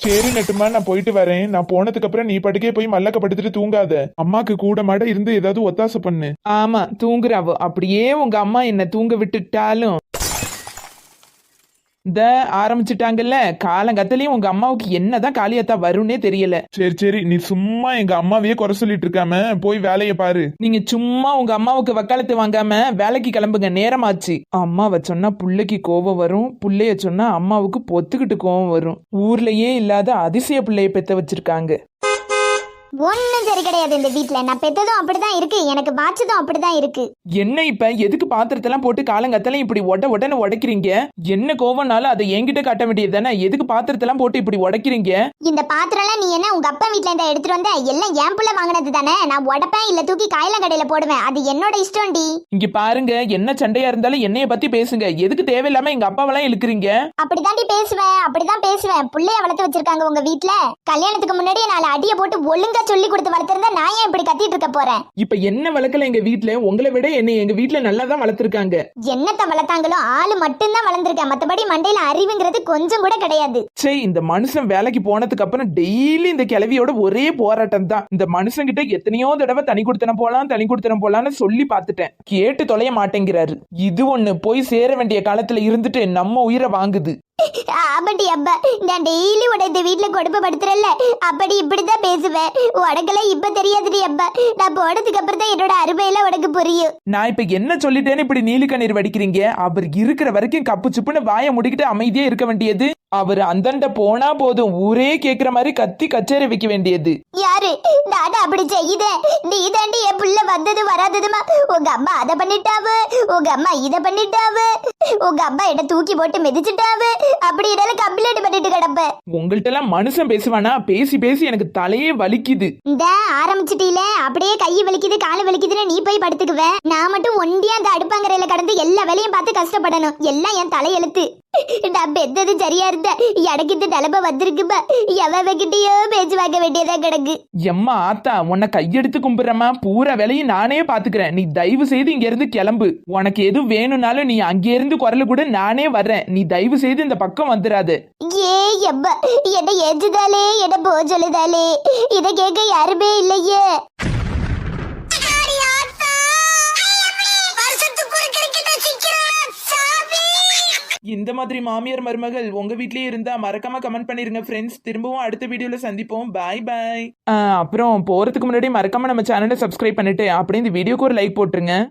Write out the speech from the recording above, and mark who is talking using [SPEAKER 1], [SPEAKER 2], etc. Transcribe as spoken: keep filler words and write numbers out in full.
[SPEAKER 1] சரி நட்டுமா, நான் போயிட்டு வரேன். நான் போனதுக்கு அப்புறம் நீ படுக்கே போய் மல்லக்க படுத்துட்டு தூங்காத. அம்மாக்கு கூட மாட இருந்து ஏதாவது ஒத்தாசை பண்ணு.
[SPEAKER 2] ஆமா தூங்குறாவோ. அப்படியே உங்க அம்மா என்ன தூங்க விட்டுட்டாலும் இந்த ஆரம்பிச்சுட்டாங்கல்ல. காலங்கத்திலயும் உங்க அம்மாவுக்கு என்னதான் காளியாத்தா வரும்னே தெரியல.
[SPEAKER 1] சரி சரி, நீ சும்மா எங்க அம்மாவையே குறை சொல்லிட்டு இருக்காம போய் வேலையை பாரு.
[SPEAKER 2] நீங்க சும்மா உங்க அம்மாவுக்கு வக்காலத்து வாங்காம வேலைக்கு கிளம்புங்க, நேரமாச்சு. அம்மாவை சொன்னா புள்ளைக்கு கோபம் வரும், புள்ளைய சொன்னா அம்மாவுக்கு பொத்துக்கிட்டு கோபம் வரும். ஊர்லயே இல்லாத அதிசய பிள்ளைய பெத்த வச்சிருக்காங்க.
[SPEAKER 3] ஒன்னும் சரி கிடையாது இந்த வீட்ல. நான் பெத்ததும் அப்படிதான் இருக்கு, எனக்கு பாய்ச்சதும் அப்படிதான் இருக்கு.
[SPEAKER 2] என்ன இப்ப எதுக்கு பாத்திரத்தெல்லாம் போட்டு காலங்கத்தெல்லாம் இப்படி ஒட உடனே உடைக்கிறீங்க? என்ன கோவம்னாலும் அதை என்கிட்ட காட்ட வேண்டியது தானே. எதுக்கு பாத்திரத்தெல்லாம் போட்டு இப்படி உடைக்கிறீங்க?
[SPEAKER 3] இந்த பாத்திரம் எல்லாம் நீ என்ன உங்க அப்பா வீட்ல இருந்தா எடுத்துட்டு வந்த? எல்லாம் என் புள்ள வாங்கினது தானே. நான் உடப்பேன் இல்ல தூக்கி காயலாம் கடையில போடுவேன், அது என்னோட இஷ்டம்டி.
[SPEAKER 2] இங்க பாருங்க, என்ன சண்டையா இருந்தாலும் என்னைய பத்தி பேசுங்க. எதுக்கு தேவையில்லாம எங்க அப்பாவெல்லாம் இழுக்கிறீங்க?
[SPEAKER 3] அப்படிதாண்டி பேசுவேன், அப்படிதான் பேசுவேன். புள்ளைய வளர்த்து வச்சிருக்காங்க உங்க வீட்ல. கல்யாணத்துக்கு முன்னாடியே நாலு அடியை போட்டு ஒழுங்கா சொல்லி கொடுத்து வளர்த்திருந்தா நான் ஏன் இப்படி கத்திட்டு இருக்க போறேன்?
[SPEAKER 2] இப்ப என்ன வளர்க்கல எங்க வீட்ல? உங்களை விட என்ன எங்க வீட்ல நல்லா தான் வளர்த்திருக்காங்க.
[SPEAKER 3] என்னத்த வளர்த்தாங்களோ ஆளு மட்டும்தான் வளர்ந்துருக்கேன், மத்தபடி மண்டையில அறிவுங்கிறது கொஞ்சம் கூட கிடையாது.
[SPEAKER 2] சே, இந்த மனுஷன் வேலைக்கு போனதுக்கு அப்புறம் டெய்லி இந்த கிளவியோட ஒரே போராட்டம் தான். இந்த மனுஷன் கிட்ட எத்தனையோ தடவை தனி கொடுத்தன போலாம் தனி கொடுத்தன போலான்னு சொல்லி பார்த்துட்டேன், கேட்டு தொலைய மாட்டேங்கிறாரு. இது ஒண்ணு போய் சேர வேண்டிய காலத்துல இருந்துட்டு நம்ம உயிரை வாங்குது.
[SPEAKER 3] ஆபட்டி அப்பா, நான் டெய்லி உட இந்த வீட்டுல கொடுப்பப்படுத்துறல, அப்படி இப்படிதான் பேசுவேன். உனக்கெல்லாம் இப்ப தெரியாதுடி அப்பா. நான் போனதுக்கு அப்புறம் தான் என்னோட அருமையெல்லாம் உனக்கு புரியும்.
[SPEAKER 2] நான் இப்ப என்ன சொல்லிட்டேன்னு இப்படி நீலி கண்ணீர் வடிக்கிறீங்க? அவர் இருக்கிற வரைக்கும் கப்பு சுப்புன்னு வாயை முடிக்கிட்டு அமைதியே இருக்க வேண்டியது. அவர் அந்தண்ட போனா போதும் ஊரே கேக்குற மாதிரி கத்தி கச்சேரி வைக்க வேண்டியது.
[SPEAKER 3] யாரு நானு அப்படி செய்யுதேன்? நீ தாண்டி என் புள்ள வந்தது வராததுமா. உங்க அம்மா அதை பண்ணிட்டாவு, உங்க அம்மா இதை பண்ணிட்டாவு, உங்க அம்மா என்ன தூக்கி போட்டு மிதிச்சுட்டாவு, அப்படி என்னால கம்ப்ளைண்ட் பண்ணிட்டு கிடப்ப.
[SPEAKER 2] உங்கள்ட்ட எல்லாம் மனுஷன் பேசுவானா? பேசி பேசி எனக்கு தலையே வலிக்குது.
[SPEAKER 3] இந்த ஆரம்பிச்சிட்டீல, அப்படியே கை வலிக்குது காலு வலிக்குதுன்னு நீ போய் படுத்துக்குவ. நான் மட்டும் ஒண்டியா அந்த அடுப்பாங்கரையில கடந்து எல்லா வேலையும் பார்த்து கஷ்டப்படணும். எல்லாம் என் தலையெழுத்து. நான் பெத்தது சரியா இருந்த எனக்கு இந்த நிலம வந்திருக்குப்பா. எவகிட்டயோ பேச்சு வாங்க வேண்டியதா கிடக்கு.
[SPEAKER 2] எம்மா ஆத்தா, உன்னை கையெடுத்து கும்பிடுறமா. பூரா வேலையும் நானே பாத்துக்கிறேன். நீ தயவு செய்து இங்க இருந்து கிளம்பு. உனக்கு எதுவும் வேணும்னாலும் நீ அங்கே இருந்து குரல் கூட நானே வர்றேன். நீ தயவு செய்து இந்த பக்கம் வந்துடாது.
[SPEAKER 3] ஏ எப்பா, என்ன ஏஞ்சுதாலே என்ன போ சொல்லுதாலே, இதை கேட்க யாருமே இல்லையே.
[SPEAKER 2] இந்த மாதிரி மாமியார் மருமகள் உங்க வீட்லயே இருந்தா மறக்காம கமெண்ட் பண்ணிருங்க ஃப்ரெண்ட்ஸ். திரும்பவும் அடுத்த வீடியோல சந்திப்போம். பாய் பாய். அப்புறம் போறதுக்கு முன்னாடி மறக்காம நம்ம சேனலை சப்ஸ்கிரைப் பண்ணிட்டு அப்படியே இந்த வீடியோக்கு ஒரு லைக் போட்டுருங்க.